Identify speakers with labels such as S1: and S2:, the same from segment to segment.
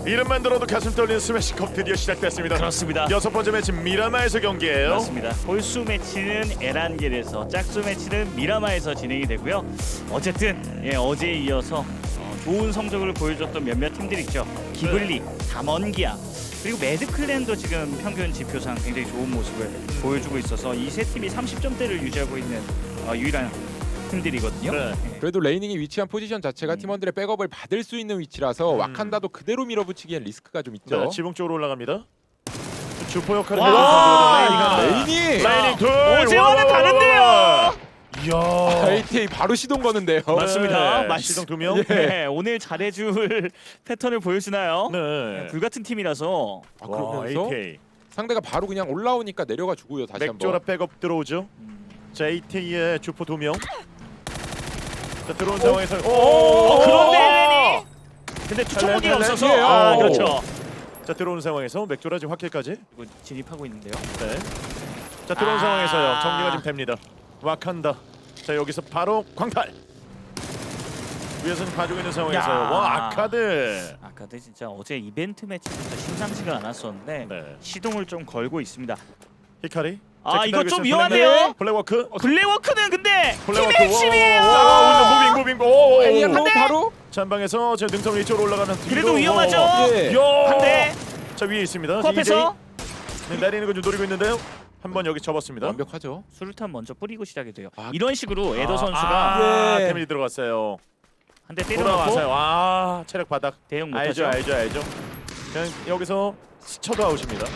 S1: 이름만 들어도 가슴 떨리는 스매시컵 드디어 시작됐습니다.
S2: 그렇습니다.
S1: 6번째 매치 미라마에서 경기예요.
S2: 맞습니다. 홀수 매치는 에란겔에서, 짝수 매치는 미라마에서 진행이 되고요. 어쨌든 어제에 이어서 좋은 성적을 보여줬던 몇몇 팀들 있죠. 기블리, 담원기아, 그리고 매드클랜도 지금 평균 지표상 굉장히 좋은 모습을 보여주고 있어서 이 세 팀이 30점대를 유지하고 있는 유일한 팀들이거든요.
S1: 네.
S3: 그래도 레이닝이 위치한 포지션 자체가 팀원들의 백업을 받을 수 있는 위치라서 와칸다도 그대로 밀어붙이기엔 리스크가 좀 있죠.
S1: 자, 지붕 쪽으로 올라갑니다. 주포 역할을
S2: 와!
S1: 해주는
S3: 레이닝!
S1: 레이닝 둘.
S2: 어제와는 다른데요.
S1: 이야.
S3: ATA 바로 시동 거는데요.
S2: 맞습니다.
S1: 네. 시동 2명.
S3: 예.
S2: 네, 오늘 잘해줄 패턴을 보여주나요?
S1: 네.
S2: 불같은 팀이라서.
S3: 아,
S1: 와,
S3: 그러면서
S1: AK.
S3: 상대가 바로 그냥 올라오니까 내려가 주고요. 다시
S1: 맥조라
S3: 한번.
S1: 백업 들어오죠. 자, AT의 주포 2명. 자, 들어온 상황에서
S2: 그런데 에렌이. 근데 투척목이
S1: 헬렌,
S2: 없어서.
S1: 헬렌이에요.
S2: 아, 그렇죠.
S1: 자, 들어오는 상황에서 맥조라 지금 확킬까지.
S2: 이거 진입하고 있는데요.
S1: 네. 자, 들어온
S2: 아.
S1: 상황에서요. 정리가 좀 됩니다. 와칸다. 자, 여기서 바로 광탈. 위에서는 봐주고 있는 상황에서요.
S2: 야.
S1: 와, 아카드.
S2: 아까도 진짜 어제 이벤트 매치부터 심상치가 않았었는데
S1: 네.
S2: 시동을 좀 걸고 있습니다.
S1: 히카리.
S2: 아,
S1: 자,
S2: 이거
S1: 기다리고
S2: 좀
S1: 있어요.
S2: 위험한데요?
S1: 블랙워크.
S2: 블랙워크는 근데 팀의
S1: 블랙워크.
S2: 핵심이에요.
S1: 무빙. 오.
S3: 애니로 바로
S1: 전방에서 저 능선 위쪽으로 올라가는
S2: 그래도
S1: 뒤로.
S2: 위험하죠?
S3: 예.
S1: 야.
S2: 한대
S1: 자, 위에 있습니다.
S2: 코앞에서
S1: 네, 내리는 거 좀 노리고 있는데요. 한번 여기 접었습니다.
S3: 완벽하죠.
S2: 수류탄 먼저 뿌리고 시작이 돼요.
S3: 아,
S2: 이런 식으로 에더 선수가
S3: 예.
S1: 데미지 들어갔어요.
S2: 한 대 때려놓고
S1: 돌아와서요. 아, 체력 바닥.
S2: 대응 못하죠.
S1: 알죠. 그냥 여기서 스쳐도 아웃입니다.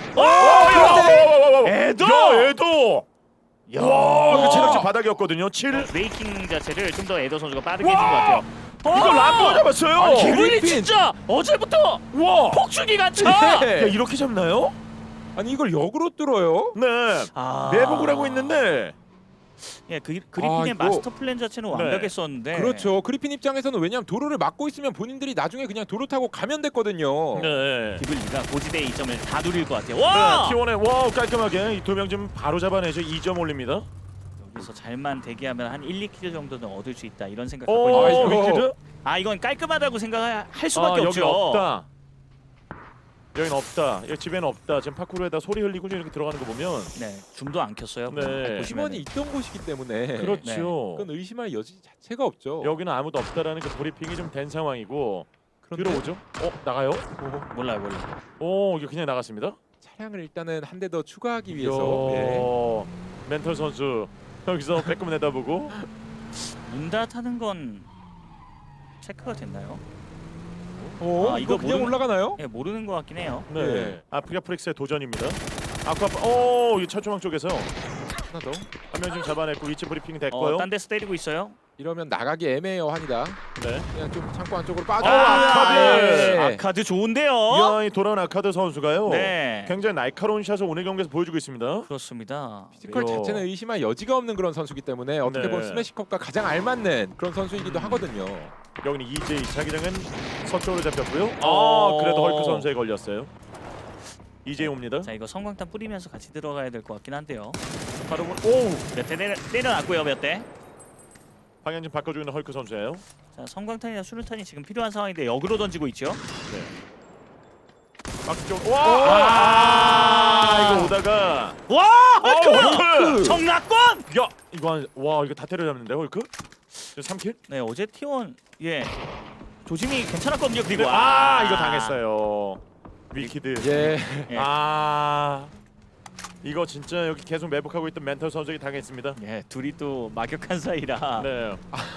S2: 에더!
S1: 야, 에도. 야, 그 체력치 바닥이었거든요. 7.
S2: 브레이킹 자체를 좀 더 에더 선수가 빠르게 해준 것 같아요.
S1: 이거 람보 잡았어요.
S3: 아니,
S2: 기블리
S3: 그리핀.
S2: 진짜 어제부터
S1: 와.
S2: 폭죽이 같죠?
S1: 야,
S3: 예.
S1: 이렇게 잡나요?
S3: 아니 이걸 역으로 뚫어요?
S1: 네.
S2: 아.
S1: 매복을 하고 있는데.
S2: 그리핀의
S3: 이거-
S2: 마스터 플랜 자체는
S1: 네.
S2: 완벽했었는데
S3: 그렇죠. 그리핀 입장에서는 왜냐하면 도로를 막고 있으면 본인들이 나중에 그냥 도로 타고 가면 됐거든요.
S1: 네.
S2: 기블리가 고지대의 이점을 다 누릴 것 같아요. 와!
S1: T1에 와 깔끔하게 이 두 명 지금 바로 잡아내죠. 2점 올립니다.
S2: 여기서 잘만 대기하면 한 1, 2킬 정도는 얻을 수 있다 이런 생각
S1: 오,
S2: 갖고 있는
S3: 이거-
S1: 위키드?
S2: 이건 깔끔하다고 생각할 수밖에
S1: 여기
S2: 없죠.
S1: 없다. 여긴 없다. 여기 집에는 없다. 지금 파쿠르에다 소리 흘리고 이렇게 들어가는 거 보면
S2: 네, 줌도 안 켰어요.
S1: 네.
S2: 보시면은.
S3: 팀원이 있던 곳이기 때문에
S1: 그렇죠.
S3: 그건 의심할 여지 자체가 없죠.
S1: 여기는 아무도 없다라는 그 브리핑이 좀 된 상황이고
S3: 그런데
S1: 들어오죠? 나가요?
S2: 몰라요.
S1: 이게 그냥 나갔습니다.
S3: 차량을 일단은 한 대 더 추가하기 위해서 예.
S1: 멘털 선수 여기서 빼꼼 내다보고
S2: 문 닫하는 건 체크가 됐나요?
S3: 이거
S2: 이거
S3: 그냥
S2: 모르는-
S3: 올라가나요?
S2: 네, 모르는 것 같긴 해요.
S1: 네.
S3: 네.
S1: 아프리카 프릭스의 도전입니다. 이 철조망 쪽에서
S3: 하나 더.
S1: 한 명 좀 잡아냈고 위치 브리핑이 됐고요.
S2: 딴 데서 때리고 있어요.
S3: 이러면 나가기 애매해요 한이다.
S1: 네.
S3: 그냥 좀 창고 안쪽으로 빠져.
S1: 아카드!
S3: 예.
S2: 아카드 좋은데요.
S1: 이야, 이 돌아온 아카드 선수가요.
S2: 네.
S1: 굉장히 날카로운 샷을 오늘 경기에서 보여주고 있습니다.
S2: 그렇습니다.
S3: 피지컬
S1: 요.
S3: 자체는 의심할 여지가 없는 그런 선수기 때문에 어떻게
S1: 네.
S3: 보면 스매시컵과 가장 알맞는 그런 선수이기도 하거든요.
S1: 여기는 EJ 자기장은 서쪽으로 잡혔고요.
S2: 어.
S1: 그래도 헐크 선수에 걸렸어요. EJ 옵니다.
S2: 자, 이거 성광탄 뿌리면서 같이 들어가야 될 것 같긴 한데요.
S1: 바로
S2: 몇 대 때려놨고요. 몇 대.
S1: 방향 좀 바꿔주고 있는 헐크 선수예요.
S2: 자, 성광탄이나 수류탄이 지금 필요한 상황인데 역으로 던지고 있죠.
S1: 네. 막쪽. 와! 이거 오다가
S2: 와!
S1: 헐크!
S2: 정락권!
S1: 야, 이거 다 때려잡는데 헐크? 3킬?
S2: 네, 어제 T1 조짐이 괜찮았거든요. 그리고
S1: 이거 당했어요. 위키드.
S3: 예.
S2: 예.
S1: 이거 진짜 여기 계속 매복하고 있던 멘털 선수에게 당했습니다.
S2: 예, 둘이 또 막역한 사이라.
S1: 네.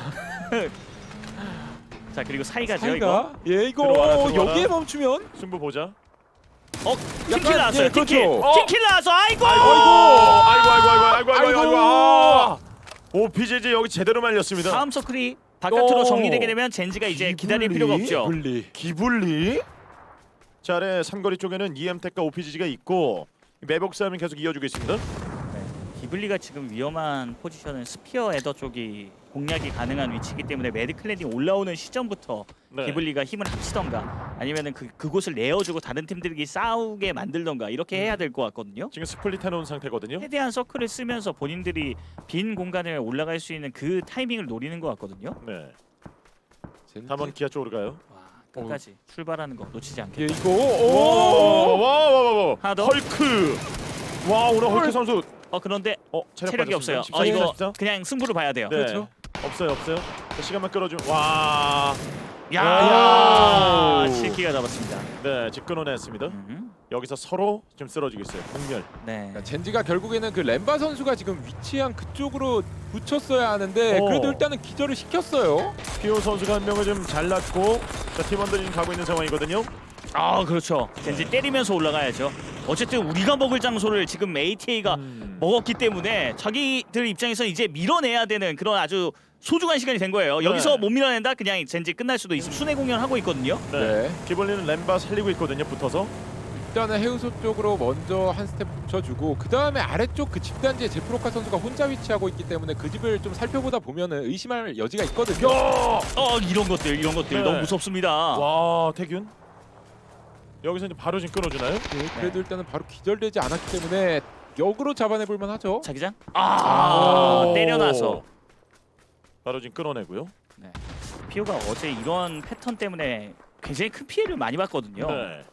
S2: 자, 그리고 사이가죠, 이거.
S3: 사이가 예 이거
S1: 들어와라.
S3: 여기에 멈추면
S1: 승부 보자.
S2: 팀킬 나왔어요.
S3: 예,
S2: 팀킬.
S3: 그렇죠.
S2: 팀킬 나와서 아이고!
S1: 아이고. 오, PJJ 여기 제대로 말렸습니다.
S2: 다음 서클이 바깥으로
S1: 오.
S2: 정리되게 되면 젠지가 이제 기다릴 필요가 없죠.
S3: 분리.
S1: 기블리. 자, 아래 삼거리 쪽에는 EM텍과 OPGG가 있고 매복 싸움이 계속 이어지고 있습니다.
S2: 기블리가 지금 위험한 포지션은 스피어 에더 쪽이 공략이 가능한 위치이기 때문에 매드클랜이 올라오는 시점부터
S1: 네.
S2: 기블리가 힘을 합치던가 아니면은 그곳을 내어주고 다른 팀들이 싸우게 만들던가 이렇게 해야 될 것 같거든요.
S1: 지금 스플릿 해놓은 상태거든요.
S2: 최대한 서클을 쓰면서 본인들이 빈 공간을 올라갈 수 있는 그 타이밍을 노리는 것 같거든요.
S1: 네.
S3: 젠지.
S1: 한번 기아 쪽으로 가요.
S2: 와, 끝까지 출발하는 거 놓치지
S3: 예,
S2: 않겠다.
S3: 이거
S1: 와.
S2: 하나 더.
S1: 헐크. 와, 오늘 헐크 선수
S2: 그런데 체력이
S1: 빠졌습니다.
S2: 없어요.
S1: 14,
S2: 이거
S1: 14.
S2: 그냥 승부를 봐야 돼요.
S1: 네.
S3: 그렇죠.
S1: 없어요. 자, 시간만 끌어주면 와.
S2: 야,
S1: 야.
S2: 실키가 잡았습니다.
S1: 네, 집 끊어냈습니다. 여기서 서로 좀 쓰러지고 있어요. 공멸.
S2: 네.
S3: 그러니까 젠지가 결국에는 그 램바 선수가 지금 위치한 그쪽으로 붙였어야 하는데 그래도 일단은 기절을 시켰어요.
S1: 피오 선수가 한 명을 좀 잘랐고, 자, 팀원들이 지금 가고 있는 상황이거든요.
S2: 그렇죠. 젠지 때리면서 올라가야죠. 어쨌든 우리가 먹을 장소를 지금 ATA가 먹었기 때문에 자기들 입장에서 이제 밀어내야 되는 그런 아주 소중한 시간이 된 거예요. 여기서 못 밀어낸다 그냥 젠지 끝날 수도 있어. 순회 공연하고 있거든요.
S3: 네.
S1: 기벌리는 램바 살리고 있거든요. 붙어서.
S3: 일단은 해우소 쪽으로 먼저 한 스텝 붙여주고 그 다음에 아래쪽 그 집단지에 제프로카 선수가 혼자 위치하고 있기 때문에 그 집을 좀 살펴보다 보면은 의심할 여지가 있거든요.
S2: 이런 것들
S1: 네.
S2: 너무 무섭습니다.
S1: 와, 태균. 여기서 이제 바로 지금 끊어주나요?
S3: 네, 그래도 일단은 바로 기절되지 않았기 때문에 역으로 잡아내볼 만하죠.
S2: 자기장?
S1: 오.
S2: 때려놔서.
S1: 바로 지금 끊어내고요.
S2: 피오가 어제 이런 패턴 때문에 굉장히 큰 피해를 많이 봤거든요.
S1: 네.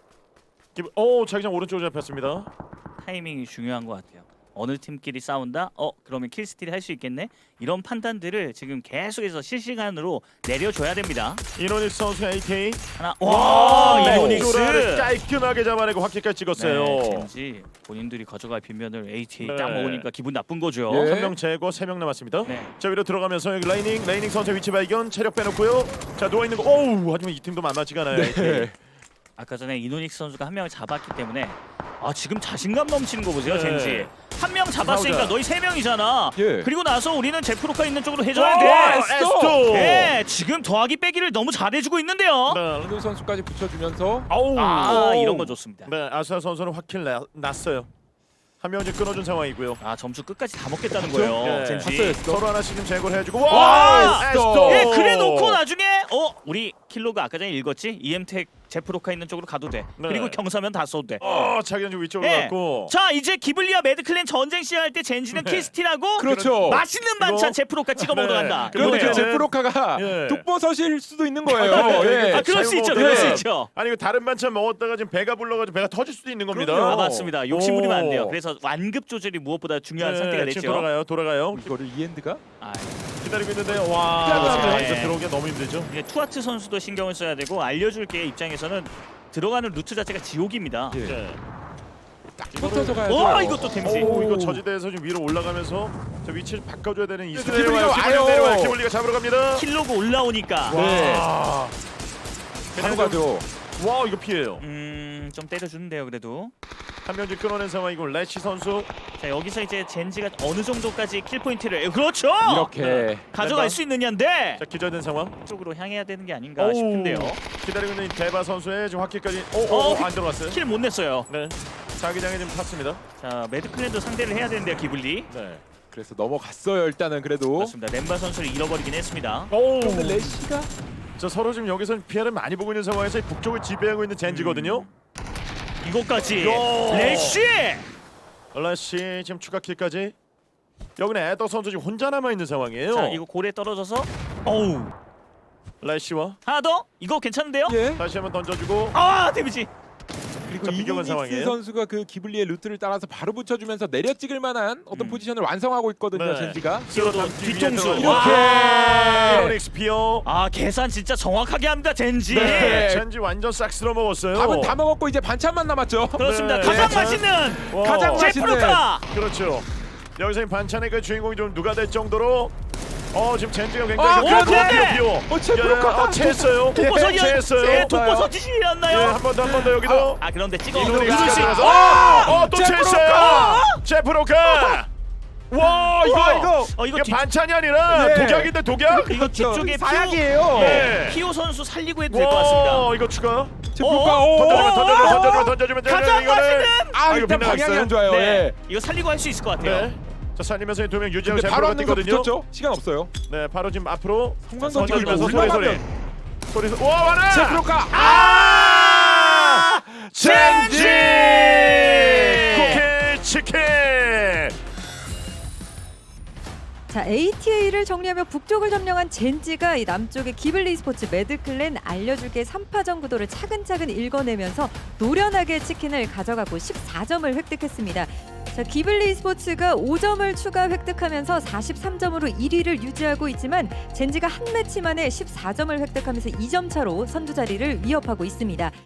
S1: 자기장 오른쪽으로 잡혔습니다.
S2: 타이밍이 중요한 것 같아요. 어느 팀끼리 싸운다? 그러면 킬스틸 할 수 있겠네? 이런 판단들을 지금 계속해서 실시간으로 내려줘야 됩니다.
S1: 이노닉스 선수 AT.
S2: 하나,
S1: 와,
S2: 이노닉스!
S1: 깔끔하게 잡아내고 확기까지 찍었어요.
S2: 네, 젠지 본인들이 가져갈 빈면을 ATA 딱
S1: 네.
S2: 먹으니까 기분 나쁜 거죠.
S3: 예.
S1: 한 명 제거, 3명 남았습니다.
S2: 네.
S1: 자, 위로 들어가면서 여기 라이닝 선수 위치 발견, 체력 빼놓고요. 자, 누워 있는 거. 오우, 하지만 이 팀도 만만치가 않아요.
S3: 네.
S2: 아까 전에 이노닉스 선수가 한 명을 잡았기 때문에 지금 자신감 넘치는 거 보세요.
S1: 네.
S2: 젠지 한 명 잡았으니까
S1: 싸우자.
S2: 너희 3명이잖아.
S3: 예.
S2: 그리고 나서 우리는 제프로카 있는 쪽으로 해줘야
S1: 오,
S2: 돼.
S1: 에스토.
S2: 네, 지금 더하기 빼기를 너무 잘해주고 있는데요.
S1: 네.
S3: 이노 선수까지 붙여주면서
S1: 아우.
S2: 이런 거 좋습니다.
S1: 네, 아수아 선수는 확킬 났어요. 한 명 이제 끊어준 상황이고요.
S2: 점수 끝까지 다 먹겠다는
S3: 그렇죠?
S2: 거예요.
S1: 네.
S2: 젠지.
S3: 봤어요.
S1: 서로 하나씩 좀 제거를 해주고.
S2: 와,
S1: 에스토.
S2: 예, 그래 놓고 나중에 우리 킬로가 아까 전에 읽었지? EM텍 제프로카 있는 쪽으로 가도 돼.
S1: 네.
S2: 그리고 경사면 다 써도 돼.
S1: 자기는 좀 위쪽으로
S2: 예.
S1: 갔고.
S2: 자, 이제 기블리와 매드클랜 전쟁 시작할 때 젠지는
S1: 네.
S2: 킬스틸하고
S3: 그렇죠.
S2: 맛있는 반찬
S1: 이거?
S2: 제프로카 찍어 먹으러
S1: 네.
S2: 간다.
S1: 그리고
S3: 그런데 그
S1: 이거는-
S3: 제프로카가
S1: 예.
S3: 독버섯일 수도 있는 거예요. 예.
S2: 그럴 수 있죠.
S1: 잘못
S2: 그럴 수
S1: 먹으면-
S2: 있죠.
S1: 아니, 이거 다른 반찬 먹었다가 지금 배가 불러가지고 배가 터질 수도 있는 겁니다.
S3: 그럼요.
S2: 맞습니다. 욕심 부리면 안 돼요.
S1: 오.
S2: 그래서 완급 조절이 무엇보다 중요한
S1: 네,
S2: 상태가
S1: 지금
S2: 됐죠.
S1: 돌아가요.
S3: 이거를 이엔드가
S1: 기다리고 있는데 와,
S3: 피하면
S1: 이거
S2: 네.
S1: 들어오기가 너무 힘들죠.
S2: 이게 투아트 선수도 신경을 써야 되고 알려줄 게 입장에서는 들어가는 루트 자체가 지옥입니다.
S3: 예.
S1: 네.
S3: 딱 붙어서 가야죠.
S2: 와, 이것도 데미지.
S1: 오, 이거 저지대에서 좀 위로 올라가면서 저 위치를 바꿔줘야 되는 이승.
S3: 기블리가 와요.
S1: 내려와요. 기블리가 잡으러 갑니다.
S2: 킬로그 올라오니까
S3: 네.
S1: 와,
S3: 바로 가죠.
S1: 와, 이거 피해요.
S2: 좀 때려주는데요. 그래도
S1: 한 명 지금 끊어낸 상황이고 레시 선수.
S2: 자, 여기서 이제 젠지가 어느 정도까지 킬 포인트를 그렇죠.
S3: 이렇게
S2: 가져갈 수 있느냐인데
S1: 자, 기절된 상황.
S2: 쪽으로 향해야 되는 게 아닌가
S1: 오.
S2: 싶은데요.
S1: 기다리고 있는 이 대바 선수의 지금 확기까지. 안 들어갔어요.
S2: 킬 못 냈어요.
S1: 네. 자기장에 지금 탔습니다.
S2: 자, 매드클랜도 상대를 해야 되는데요. 기블리.
S1: 네.
S3: 그래서 넘어갔어요. 일단은 그래도.
S2: 맞습니다. 렘바 선수를 잃어버리긴 했습니다.
S1: 오.
S3: 근데 레시가
S1: 자, 서로 지금 여기서 피해를 많이 보고 있는 상황에서 이 북쪽을 지배하고 있는 젠지거든요.
S2: 이것까지
S1: 야.
S2: 레시.
S1: 레시 지금 추가 킬까지. 여기는 에더 선수 지금 혼자 남아 있는 상황이에요.
S2: 자, 이거 골에 떨어져서 어우.
S1: 레시와
S2: 하나 더. 이거 괜찮은데요?
S3: 예.
S1: 다시 한번 던져주고.
S2: 데미지.
S3: 그리고
S1: 자, 비교한
S3: 이노닉스
S1: 상황이에요.
S3: 선수가 그 기블리의 루트를 따라서 바로 붙여주면서 내려 찍을 만한 어떤 포지션을 완성하고 있거든요.
S1: 네.
S3: 젠지가.
S2: 또 뒤통수.
S3: 이렇게.
S1: 이노닉스 피어.
S2: 계산 진짜 정확하게 합니다. 젠지.
S3: 네.
S1: 젠지 완전 싹 쓸어 먹었어요.
S3: 밥은 다 먹었고 이제 반찬만 남았죠.
S2: 그렇습니다.
S1: 네.
S2: 가장
S1: 네.
S2: 맛있는
S1: 와.
S3: 가장 맛있는.
S2: 제프로카.
S1: 그렇죠. 여기서 이 반찬의 그 주인공이 좀 누가 될 정도로 지금 젠지가 굉장히
S3: 아,
S2: 그런데!
S1: 피어.
S3: 제프로카.
S1: 체했어요.
S2: 독버섯이
S1: 체했어요.
S2: 예, 독버섯이지
S1: 예,
S2: 않나요?
S1: 한 번 더 여기도.
S2: 그런데 찍어
S1: 이노닉스
S2: 누르시.
S1: 들어가서. 또
S3: 제프로카!
S1: 체했어요. 제프로카. 와,
S3: 이거.
S2: 이거
S1: 이게
S2: 뒤,
S1: 반찬이 아니라
S3: 예.
S1: 독약인데 독약.
S2: 이거 뒤쪽에
S3: 사약이에요.
S1: 네.
S2: 피오 선수 살리고 해도 될 것 같습니다.
S1: 이거 추가.
S3: 제프로카.
S1: 던져주면
S2: 가장 맛있는.
S3: 아, 일단 방향이 안 좋아요.
S2: 네,
S3: 예.
S2: 이거 살리고 할 수 있을 것 같아요.
S1: 네. 자, 살리면서 두 명 유지하고
S3: 근데 바로
S1: 제프로가
S3: 한 능선
S1: 뛰거든요.
S3: 붙였죠. 시간 없어요.
S1: 네, 바로 지금 앞으로
S3: 성광
S1: 던져주면서
S3: 던지고
S1: 소리. 와, 와라.
S3: 제프로카.
S1: 젠지 쿠키 치킨.
S4: 자, ATA를 정리하며 북쪽을 점령한 젠지가 이 남쪽의 기블리 스포츠 매드클랜 알려줄게 3파전 구도를 차근차근 읽어내면서 노련하게 치킨을 가져가고 14점을 획득했습니다. 자, 기블리 스포츠가 5점을 추가 획득하면서 43점으로 1위를 유지하고 있지만 젠지가 한 매치 만에 14점을 획득하면서 2점 차로 선두 자리를 위협하고 있습니다.